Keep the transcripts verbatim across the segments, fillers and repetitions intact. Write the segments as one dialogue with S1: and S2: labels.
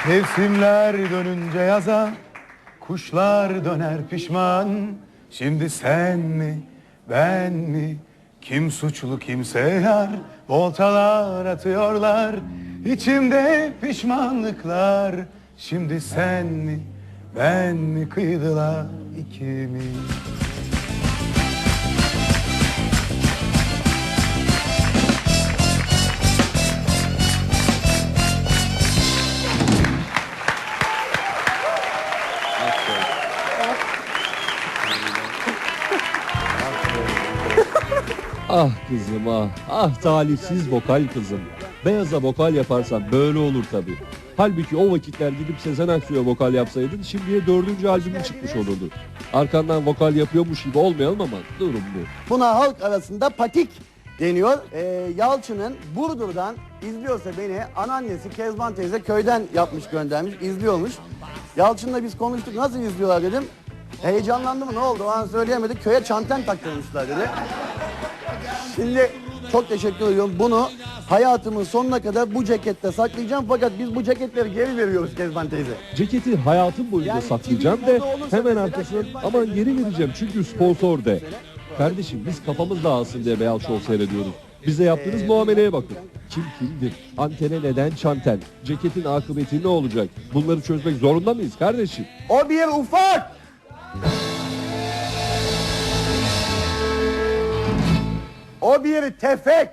S1: Mevsimler dönünce yaza, kuşlar döner pişman. Şimdi sen mi, ben mi, kim suçlu kimse yar? Voltalar atıyorlar, içimde pişmanlıklar. Şimdi sen mi, ben mi, kıydılar ikimiz.
S2: Ah kızım ah, ah talihsiz vokal kızım. Beyaza vokal yaparsan böyle olur tabii. Halbuki o vakitler gidip Sezen Aksu'ya vokal yapsaydın şimdiye dördüncü albümün çıkmış olurdu. Arkandan vokal yapıyormuş gibi olmayalım ama durum bu.
S3: Buna halk arasında patik deniyor. Ee, Yalçın'ın Burdur'dan izliyorsa beni, anneannesi Kezban teyze köyden yapmış göndermiş, izliyormuş. Yalçın'la biz konuştuk, nasıl izliyorlar dedim. Heyecanlandı mı, ne oldu o an söyleyemedik, köye çanten taktırmışlar dedi. Şimdi çok teşekkür ediyorum. Bunu hayatımın sonuna kadar bu cekette saklayacağım. Fakat biz bu ceketleri geri veriyoruz Kezban teyze.
S2: Ceketi hayatım boyunca
S3: Yani
S2: saklayacağım
S3: T V
S2: de
S3: moda olursa
S2: hemen
S3: mesela
S2: arkasından
S3: Kezban
S2: aman
S3: teyze-
S2: geri vereceğim çünkü sponsor de. Kardeşim biz kafamız dağılsın diye Beyaz Show seyrediyoruz. Bize yaptığınız
S3: Ee,
S2: muameleye bakın. Kim kimdir? Antene neden çanten? Ceketin akıbeti ne olacak? Bunları çözmek zorunda mıyız kardeşim?
S3: O bir ufak. O bir tefek.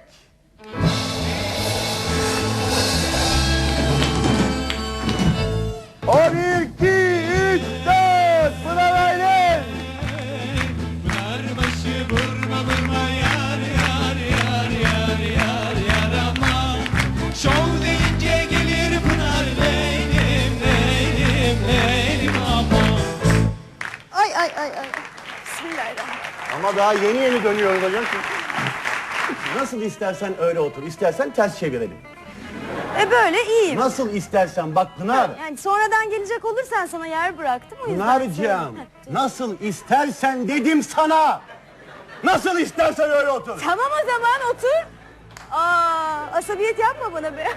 S3: O bir, iki, üç, dört. Pınar Aylin.
S4: Pınarbaşı vurma vurma yar yar yar yar yar yar ama şov deyince gelir Pınar leylim leylim leylim ama.
S5: Ay ay ay ay. Bismillahirrahmanirrahim.
S3: Ama daha yeni yeni dönüyoruz hocam. Nasıl istersen öyle otur. İstersen ters çevirelim.
S5: E böyle iyiyim.
S3: Nasıl istersen bak Pınar.
S5: Yani sonradan gelecek olursan sana yer bıraktım o yüzden.
S3: Pınar'cığım
S5: söyledim.
S3: nasıl istersen dedim sana. Nasıl istersen öyle otur.
S5: Tamam o zaman otur. Aa, asabiyet yapma bana be.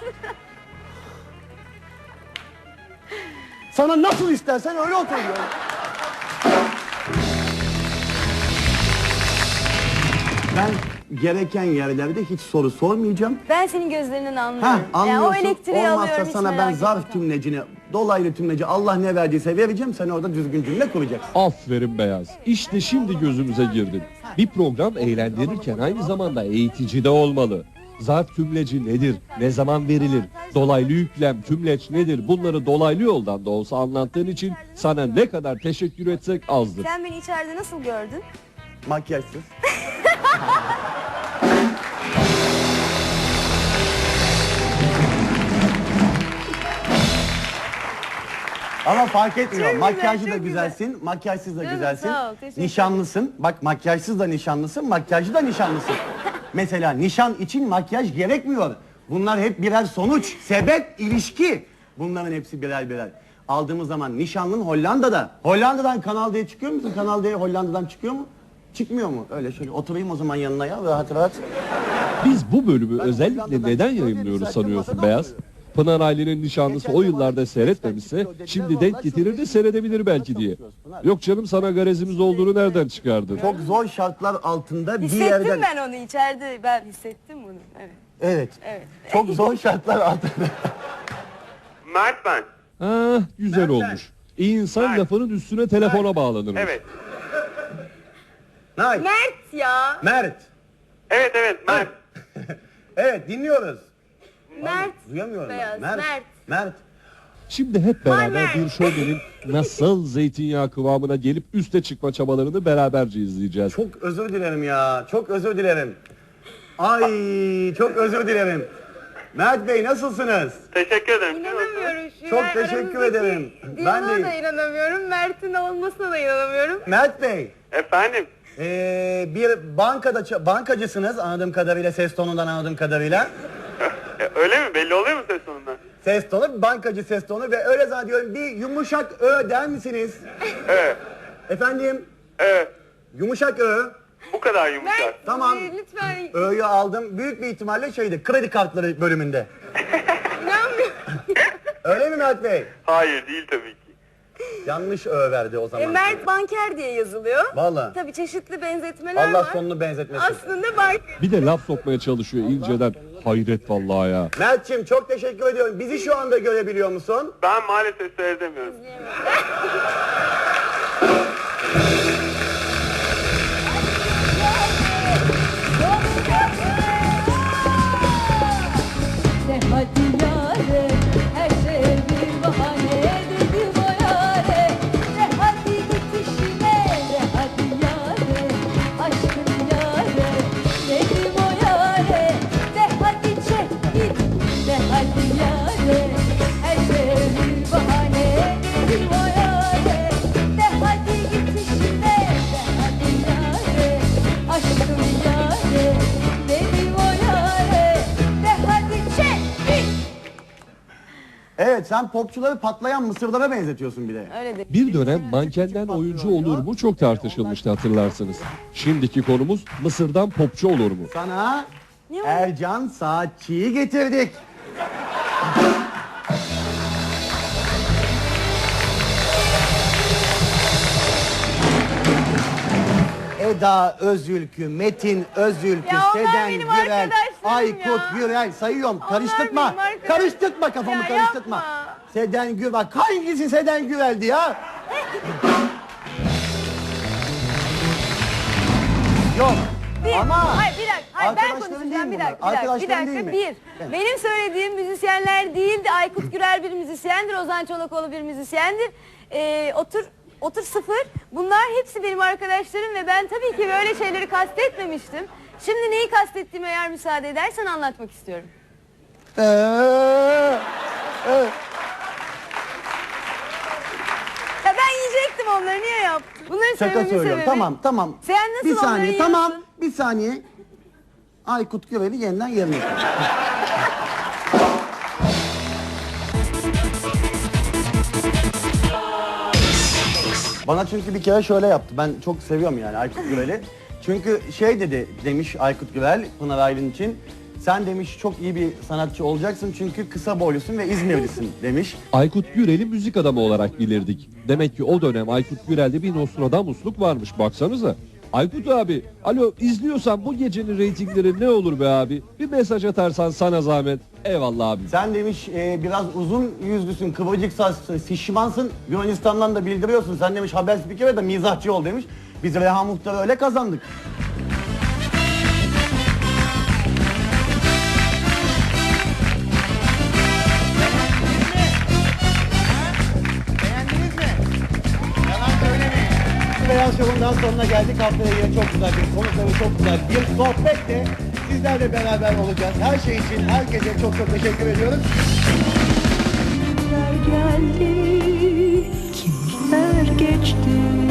S3: Sana nasıl istersen öyle otur diyorum. Ben gereken yerlerde hiç soru sormayacağım.
S5: Ben senin gözlerinden anlıyorum.
S3: Heh,
S5: Yani o
S3: anlıyorsun.
S5: elektriği
S3: Olmazsa
S5: alıyorum hiç
S3: sana ben
S5: merak
S3: zarf
S5: etme.
S3: tümlecini, dolaylı tümleci Allah ne verdiyse vereceğim. Sen orada düzgün cümle kuracaksın.
S2: Aferin Beyaz. İşte şimdi gözümüze girdin. Bir program eğlendirirken aynı zamanda eğitici de olmalı. Zarf tümleci nedir? Ne zaman verilir? Dolaylı yüklem, tümleç nedir? Bunları dolaylı yoldan da olsa anlattığın için sana ne kadar teşekkür etsek azdır.
S5: Sen beni içeride nasıl gördün?
S3: Makyajsız. Ama fark etmiyor.
S5: Çok güzel,
S3: Makyajlı da
S5: çok
S3: güzelsin, makyajsız da
S5: Canım,
S3: güzelsin.
S5: sağ ol, teşekkür
S3: Nişanlısın. Bak makyajsız da nişanlısın, makyajlı da nişanlısın. Mesela nişan için makyaj gerekmiyor. Bunlar hep birer sonuç, sebep, ilişki. Bunların hepsi birer birer. Aldığımız zaman nişanlın Hollanda'da. Hollanda'dan Kanal D'ye çıkıyor musun? Kanal D'ye Hollanda'dan çıkıyor mu? Çıkmıyor mu? Öyle şöyle oturayım o zaman yanına ya rahat rahat.
S2: Biz bu bölümü
S3: Ben
S2: özellikle
S3: Hollanda'dan
S2: neden
S3: çıkıyor
S2: yayınlıyoruz
S3: dedim,
S2: sanıyorsun
S3: zaten
S2: Beyaz?
S3: masada
S2: Pınar Aylin'in nişanlısı
S3: Geçen
S2: o
S3: zaman
S2: yıllarda
S3: işte
S2: seyretmemişse
S3: çıkıyor,
S2: şimdi
S3: dediler,
S2: denk
S3: vallahi
S2: getirir
S3: çok
S2: de
S3: iyi.
S2: seyredebilir belki diye.
S3: Çalışıyoruz Pınar.
S2: Yok canım sana garezimiz olduğunu nereden çıkardın?
S3: Çok zor şartlar altında bir
S5: Hissettim
S3: yerden...
S5: ben onu içeride. Ben hissettim bunu. Evet.
S3: Evet.
S5: Evet.
S3: Çok zor şartlar altında.
S6: Mert ben.
S2: Ah güzel
S6: Nereden?
S2: olmuş. İyi insan
S6: Mert.
S2: lafının üstüne telefona bağlanır.
S6: Evet.
S3: Nay.
S5: Mert ya.
S3: Mert.
S6: Evet evet Mert.
S3: Evet dinliyoruz.
S5: Mert.
S3: Duyamıyorum ben.
S5: Beyaz,
S3: Mert.
S5: Mert.
S3: Mert.
S2: Şimdi hep beraber
S5: Mert.
S2: bir şovmenin nasıl zeytinyağı kıvamına gelip üste çıkma çabalarını beraberce izleyeceğiz.
S3: Çok özür dilerim ya. Çok özür dilerim. Ay çok özür dilerim. Mert Bey nasılsınız?
S6: Teşekkür ederim.
S5: İnanamıyorum şu
S3: Çok
S5: an
S3: teşekkür
S5: aramızdaki
S3: ederim. Ben
S5: diyaloğa
S3: de-
S5: da inanamıyorum. Mert'in olmasına da inanamıyorum.
S3: Mert Bey.
S6: Efendim.
S3: Ee, bir bankada ça- bankacısınız anladığım kadarıyla, ses tonundan anladığım kadarıyla.
S6: E, öyle mi? Belli oluyor mu ses sonunda?
S3: Ses tonu, bankacı ses tonu ve öyle zannediyorum bir yumuşak ö der misiniz?
S6: Evet.
S3: Efendim,
S6: Evet.
S3: yumuşak ö.
S6: Bu kadar yumuşak.
S5: Mert
S3: Tamam.
S5: e, lütfen
S3: Ö'yü aldım. Büyük bir ihtimalle şeydi, kredi kartları bölümünde.
S5: inanmıyorum.
S3: Öyle mi Mert Bey?
S6: Hayır değil tabii ki.
S3: Yanlış ö verdi o zaman.
S5: E, Mert Banker diye yazılıyor.
S3: Vallahi.
S5: Tabii çeşitli benzetmeler
S3: Allah
S5: var.
S3: sonunu benzetmesin.
S5: Aslında Banker.
S2: Bir de laf sokmaya çalışıyor inceden. Hayret vallahi ya.
S3: Mert'ciğim çok teşekkür ediyorum. Bizi şu anda görebiliyor musun?
S6: Ben maalesef seyredemiyorum.
S7: De hadi yâre, her şey bir bahane dedim o yâre. De hadi git işine, de hadi yâre, aşkın yâre dedim o yâre. De hadi çek git, de hadi yâre, her şey bir bahane dedim o yâre. De hadi git işine, de hadi yâre, aşkın yâre dedim o yâre. De hadi çek git.
S3: Evet, sen popçuları patlayan mısırlara benzetiyorsun bir de.
S5: Öyle de.
S2: Bir dönem mankenden oyuncu olur mu çok tartışılmıştı hatırlarsınız. Şimdiki konumuz Mısır'dan popçu olur mu?
S3: Sana
S5: Ne o?
S3: Ercan Saatçı'yı getirdik. Eda Özülkü, Metin Özülkü,
S5: Ya onlar
S3: Seden
S5: benim
S3: Gürel,
S5: arkadaşlarım
S3: Aykut
S5: ya.
S3: Gürel sayıyorum. Karıştırma.
S5: benim arkadaşlarım.
S3: Karıştırma kafamı
S5: Ya
S3: karıştırma.
S5: yapma.
S3: Seden Gürel. Bak hangisi Seden Gürel'di ya? Yok.
S5: Bir,
S3: Ama
S5: hayır bir dakika, hayır ben
S3: arkadaşların değil
S5: konuşacağım
S3: mi
S5: bir
S3: bunlar?
S5: dakika, bir dakika, bir
S3: Arkadaşların
S5: dakika,
S3: değil mi?
S5: bir. Benim söylediğim müzisyenler değildi, Aykut Gürel bir müzisyendir, Ozan Çolakoğlu bir müzisyendir. Ee, otur, otur sıfır, bunlar hepsi benim arkadaşlarım ve ben tabii ki böyle şeyleri kastetmemiştim. Şimdi neyi kastettiğimi eğer müsaade edersen anlatmak istiyorum.
S3: Ee, evet.
S5: Ya ben yiyecektim onları, niye yaptın? Bunları
S3: Şaka
S5: söylememin
S3: söylüyorum.
S5: sebebi-
S3: Tamam, tamam.
S5: Sen nasıl
S3: Bir saniye,
S5: onları
S3: tamam.
S5: yiyorsun?
S3: Bir saniye. Aykut Gürel'i yeniden yerine koy. Bana çünkü bir kere şöyle yaptı. Ben çok seviyorum yani Aykut Gürel'i. Çünkü şey dedi demiş Aykut Gürel Pınar Aylin için. Sen demiş çok iyi bir sanatçı olacaksın çünkü kısa boylusun ve İzmirlisin demiş.
S2: Aykut Gürel'i müzik adamı olarak bilirdik. Demek ki o dönem Aykut Gürel'de bir Nostradamusluk varmış baksanıza. Aykut abi, alo izliyorsan bu gecenin reytingleri ne olur be abi? Bir mesaj atarsan sana zahmet. Eyvallah abi.
S3: Sen demiş e, biraz uzun yüzlüsün, kıvırcık saçlısın, şişmansın. Yunanistan'dan da bildiriyorsun. Sen demiş haber spikeri de mizahçı ol demiş. Biz Reha Muhtar'ı öyle kazandık.
S8: Beğendiniz mi? Yalan söylemeyin.
S3: Beyaz Show'un sonuna geldik. Haftaya yine çok güzel bir konukları çok güzel bir sohbetle sizlerle beraber olacağız. Her şey için herkese çok çok teşekkür ediyoruz.
S9: Kimler geldi, kimler geçti.